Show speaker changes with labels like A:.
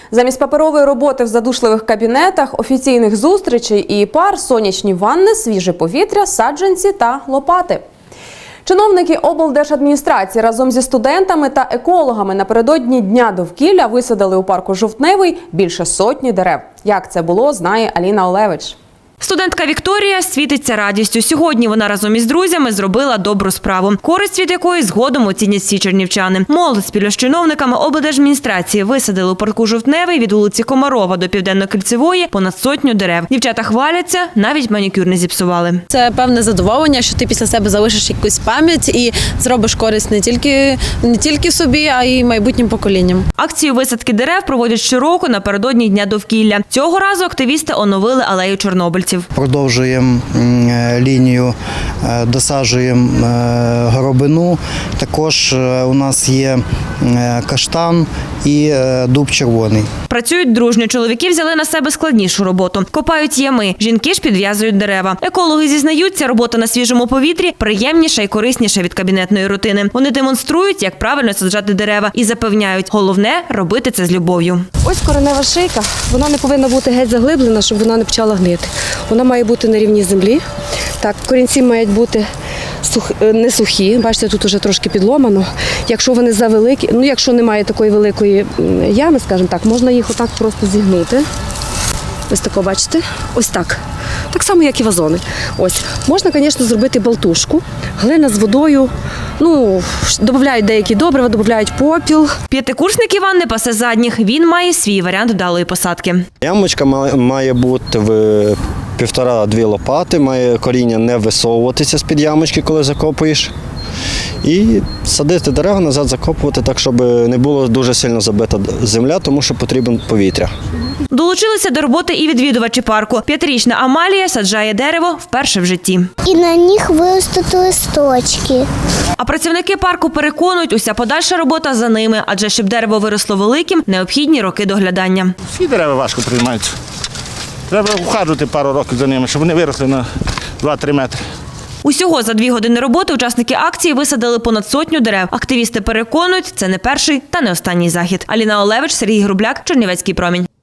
A: Замість паперової роботи в задушливих кабінетах, офіційних зустрічей і пар, сонячні ванни, свіже повітря, саджанці та лопати. Чиновники облдержадміністрації разом зі студентами та екологами напередодні Дня довкілля висадили у парку Жовтневий більше сотні дерев. Як це було, знає Аліна Олевич.
B: Студентка Вікторія світиться радістю. Сьогодні вона разом із друзями зробила добру справу, користь від якої згодом оцінять всі чернівчани. Молодь спільно з чиновниками облдержадміністрації висадили у парку Жовтневий від вулиці Комарова до Південно-Кільцевої понад сотню дерев. Дівчата хваляться, навіть манікюр не зіпсували.
C: Це певне задоволення, що ти після себе залишиш якусь пам'ять і зробиш користь не тільки собі, а й майбутнім поколінням.
B: Акцію висадки дерев проводять щороку напередодні Дня довкілля. Цього разу активісти оновили алею чорнобильців.
D: Продовжуємо лінію, досаджуємо горобину. Також у нас є каштан і дуб червоний.
B: Працюють дружньо. Чоловіки взяли на себе складнішу роботу. Копають ями. Жінки ж підв'язують дерева. Екологи зізнаються, робота на свіжому повітрі приємніша і корисніша від кабінетної рутини. Вони демонструють, як правильно саджати дерева і запевняють, головне – робити це з любов'ю.
E: Ось коренева шийка, вона не повинна бути геть заглиблена, щоб вона не почала гнити. Вона має бути на рівні землі. Так, корінці мають бути не сухі, бачите, тут вже трошки підломано. Якщо вони завеликі, якщо немає такої великої ями, скажімо так, можна їх отак просто зігнути. Ось тако, бачите? Ось так. Так само, як і вазони. Ось. Можна, звісно, зробити болтушку. Глина з водою, додають деякі добрива, додають попіл.
B: П'ятикурсник Іван не пасе задніх. Він має свій варіант вдалої посадки.
F: Ямочка має бути в 1,5-2 лопати, має коріння не висовуватися з-під ямочки, коли закопуєш. І садити дерева, назад закопувати так, щоб не було дуже сильно забита земля, тому що потрібен повітря.
B: Долучилися до роботи і відвідувачі парку. 5-річна Амалія саджає дерево вперше в житті.
G: І на них виростуть листочки.
B: А працівники парку переконують, уся подальша робота за ними, адже щоб дерево виросло великим, необхідні роки доглядання.
H: Всі дерева важко приймаються. Треба ухажувати пару років за ними, щоб вони виросли на 2-3 метри.
B: Усього за 2 години роботи учасники акції висадили понад сотню дерев. Активісти переконують, це не перший та не останній захід. Аліна Олевич, Сергій Грубляк, Чернівецький промінь.